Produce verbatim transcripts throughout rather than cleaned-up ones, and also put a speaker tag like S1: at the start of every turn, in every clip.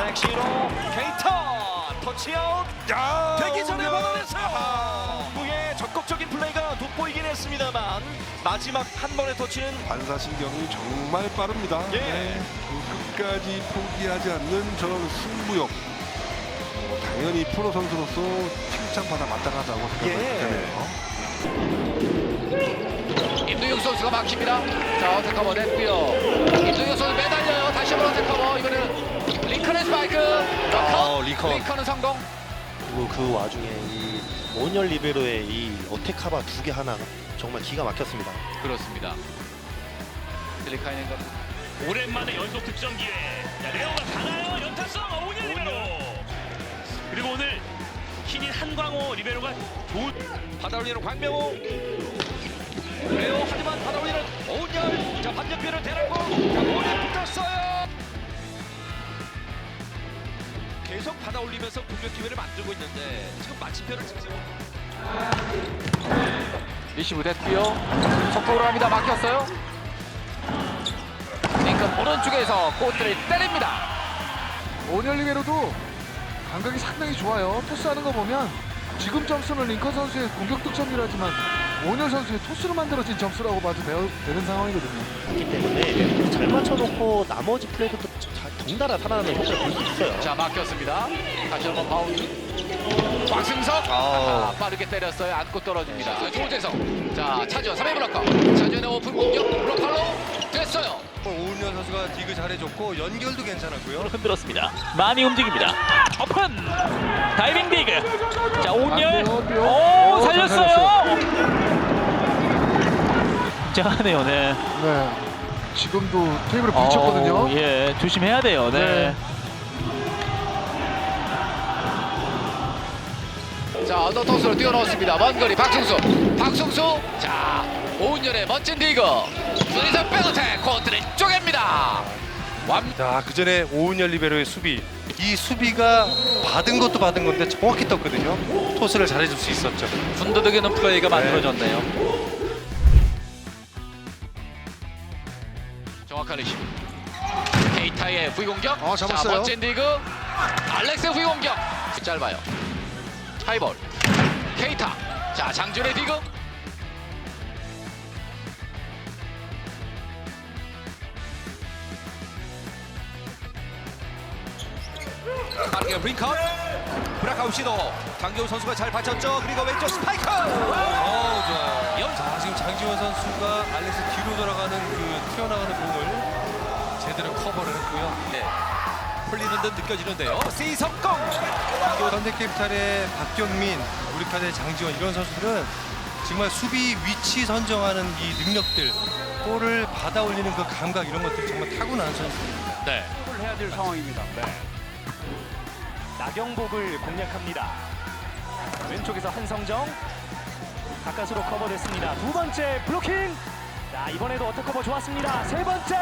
S1: 백시로 케이타 터치아웃
S2: 야,
S1: 되기 전에
S2: 오늘.
S1: 받아냈어요. 후에 적극적인 플레이가 돋보이긴 했습니다만 마지막 한 번의 터치는
S2: 반사신경이 정말 빠릅니다.
S1: 예.
S2: 네, 그 끝까지 포기하지 않는 저런 승부욕. 어, 당연히 프로 선수로서 칭찬받아 마땅하다고 생각을 되네요.
S3: 임동혁 선수가 막힙니다. 자, 어택 커버 냈고요. 임동혁 선수 매달려요. 다시 한번 어택 커버. 이번에는 링컨의 스파이크.
S1: 어, 링컨.
S3: 링컨은 성공.
S4: 그리고 그 와중에 이 온열 리베로의 이 어택카바 두 개 하나 정말 기가 막혔습니다.
S3: 그렇습니다. 딜리카이넨과
S5: 오랜만에 연속 득점 기회. 자, 레오가 가나요? 연타성 오은현 리베로. 그리고 오늘 신인 한광호 리베로가 좋은
S1: 받아올리는 광명호 레오 하지만 받아올리는 오은열. 자 반대편을 대라고 자 볼이 붙었어요. 계속 받아올리면서 공격 기회를 만들고 있는데 지금 마침표를 찍지 못.
S3: 리시브 됐고요. 속도로 합니다. 막혔어요. 링컨 오른쪽에서 골대를 때립니다.
S6: 오늘 리베로도 감각이 상당히 좋아요. 토스하는 거 보면 지금 점수는 링컨 선수의 공격 득점이라지만 오늘 선수의 토스로 만들어진 점수라고 봐도 되어- 되는 상황이거든요.
S4: 그렇기 때문에 잘 맞춰놓고 나머지 플레이도 또 잘 덩달아 살아나는 효과를 볼 수 있어요.
S3: 자, 막혔습니다. 다시 한번 바운드. 곽승석 아, 빠르게 때렸어요. 안고 떨어집니다. 조재성. 자, 차지원 삼 회 블로커. 차지원의 오픈 공격 블로커로 됐어요.
S7: 오은현 선수가 디그 잘해줬고 연결도 괜찮았고요.
S5: 흔들었습니다. 많이 움직입니다. 오픈 다이빙 디그. 자,
S6: 안
S5: 오은열.
S6: 돼요, 안 돼요.
S5: 오,
S6: 오, 잘
S5: 살렸어요. 굉장하네요. 네.
S6: 네. 지금도 테이블에 부딪혔거든요.
S5: 어, 예, 조심해야 돼요. 네.
S3: 자, 언더 토스로 뛰어넣었습니다. 먼 거리 박승수. 박승수. 자, 오은열의 멋진 디그. 둘이서 백어택 코트를 쪼갭니다. 완.
S7: 자, 그 전에 오은현 리베로의 수비. 이 수비가 받은 것도 받은 건데 정확히 떴거든요. 토스를 잘해줄 수 있었죠.
S3: 분더덕이는 플레이가 만들어졌네요. 정확한 리시브. 케이타의 후위공격.
S6: 어, 잡았어요.
S3: 자, 멋진 디그. 알렉스의 후위공격. 짧아요. 하이볼. 케이타. 자, 장준의 디그.
S1: 빠르게 링컨 브라카우 시도 장기훈 선수가 잘 받쳤죠. 그리고 왼쪽 스파이크. 어 좋아요.
S7: 자, 지금 장지원 선수가 알렉스 뒤로 돌아가는 그 튀어나가는 공을 제대로 커버를 했고요.
S1: 네. 풀리는 듯 느껴지는데요. C 성공.
S7: 현대캐피탈의 박경민, 우리카드의 장지원 이런 선수들은 정말 수비 위치 선정하는 이 능력들, 볼을 받아 올리는 그 감각 이런 것들이 정말 타고난 선수입니다.
S3: 네.
S5: 해야 될 상황입니다. 네. 나경복을 공략합니다. 왼쪽에서 한성정 가까스로 커버됐습니다. 두 번째 블로킹. 자, 이번에도 어택 커버 좋았습니다. 세 번째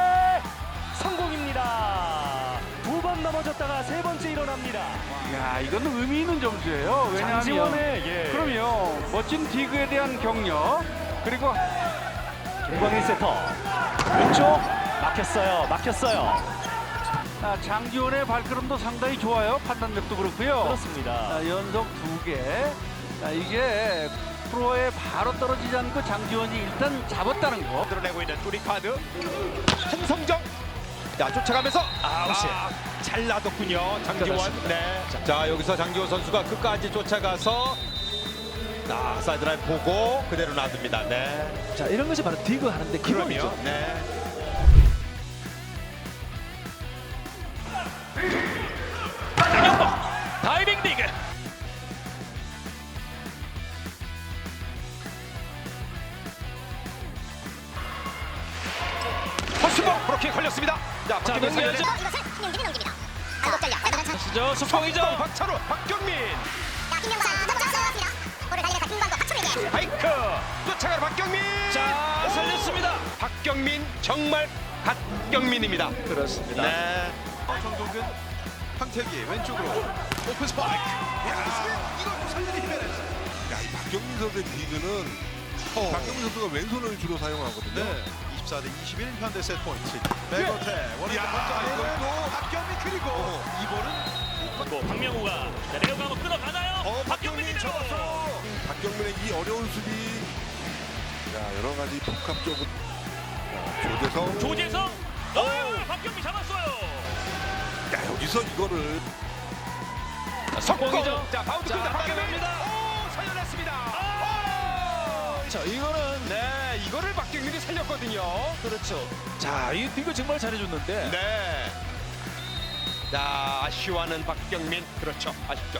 S5: 성공입니다. 두 번 넘어졌다가 세 번째 일어납니다.
S8: 야, 이건 의미 있는 점수예요. 왜냐하면
S5: 장지원의 예.
S8: 그럼요, 멋진 디그에 대한 격려, 그리고
S5: 김광일 세터 왼쪽 막혔어요. 막혔어요.
S8: 아, 장지원의 발걸음도 상당히 좋아요. 판단력도 그렇고요.
S5: 그렇습니다.
S8: 아, 연속 두 개. 아, 이게 프로에 바로 떨어지지 않고 장지원이 일단 잡았다는 거.
S1: 드러내고 있는 우리카드 한성정. 자 쫓아가면서 아웃이 잘 놔뒀군요. 장지원. 네. 자 여기서 장지원 선수가 끝까지 쫓아가서 아, 사이드라인 보고 그대로 놔둡니다. 네.
S9: 자, 이런 것이 바로 디그 하는데 기본이죠.
S1: 그럼요. 네.
S5: 다이빙 디그.
S1: 허스봉 브로킹 걸렸습니다. 자
S5: 자,
S1: 박경민
S5: 넘겨야죠.
S1: 살려내-
S10: 이것을 김용진이 넘깁니다. 안독 잘려.
S5: 시죠. 수평이죠.
S1: 허스봉 박찬호 박경민
S10: 자, 김영상 넘어졌습니다. 볼을 달려내서 김광도 박철에게.
S1: 바이크 쫓아가는 박경민.
S5: 자, 살렸습니다.
S1: 박경민 정말 박경민입니다.
S9: 그렇습니다.
S1: 네.
S2: 정동근, 황태기 왼쪽으로 오픈 스파이크. 야, 이걸 살리기 힘내냈어요. 야, 이 박경민 선수의 디그는 박경민 선수가 왼손을 주로 사용하거든요.
S1: 네.
S11: 자, 네, 이십일 현대 세트 포인트. 백어택. 원앤
S1: 야, 이번에도 박경민 그리고 이번은
S5: 박명우가 내려가 한번 끊어가나요?
S2: 어, 박경민이 잡았어. 박경민의 이 어려운 수비. 자, 여러 가지 복합적으로. 자, 조재성.
S5: 조재성. 어, 박경민 잡았어요.
S2: 야, 여기서 이거를.
S1: 성공이죠. 자, 바운드 끝나 박경민입니다. 오, 살려냈습니다. 오!
S9: 자, 이거는
S1: 네, 이거를 박경민이 살렸거든요.
S9: 그렇죠. 자, 이 이거 정말 잘해줬는데.
S1: 네. 자, 아쉬워하는 박경민. 그렇죠. 아쉽죠.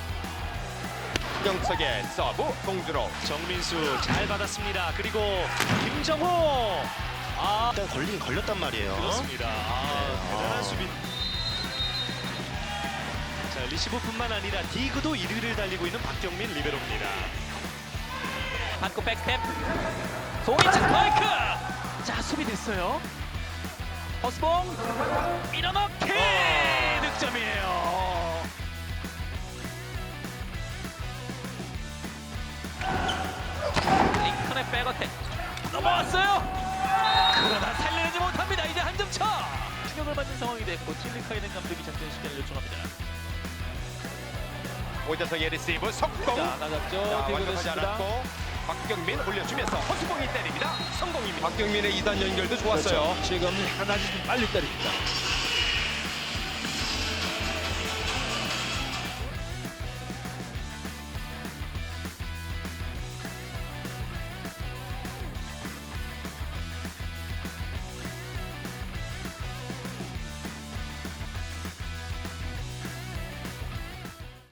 S1: 영석의 서브 공주로
S5: 정민수 잘 받았습니다. 그리고 김정호. 아,
S4: 일단 걸리긴 걸렸단 말이에요.
S5: 그렇습니다. 아, 대단한
S4: 아.
S5: 수비. 자, 리시브뿐만 아니라 디그도 일 위를 달리고 있는 박경민 리베로입니다. 받고 백스텝. 송이찬 스파이크. 자, 수비 됐어요. 허스봉 밀어넣기.
S1: 어.
S5: 득점이에요. 링컨의 백어택 넘어왔어요. 그러나 살려내지 못합니다. 이제 한 점 차. 충격을 받는 상황이 됐고 틸리카이넨 감독이 작전 시간을 요청합니다.
S1: 오재성의 리시브 성공.
S9: 자, 나갔죠.
S1: 자,
S9: 디그
S1: 완벽하지
S9: 됐습니다.
S1: 않았고 박경민 올려주면서 허수봉이 때립니다. 성공입니다. 박경민의 이 단 연결도 좋았어요.
S9: 그렇죠. 지금 하나씩 좀 빨리 때립니다.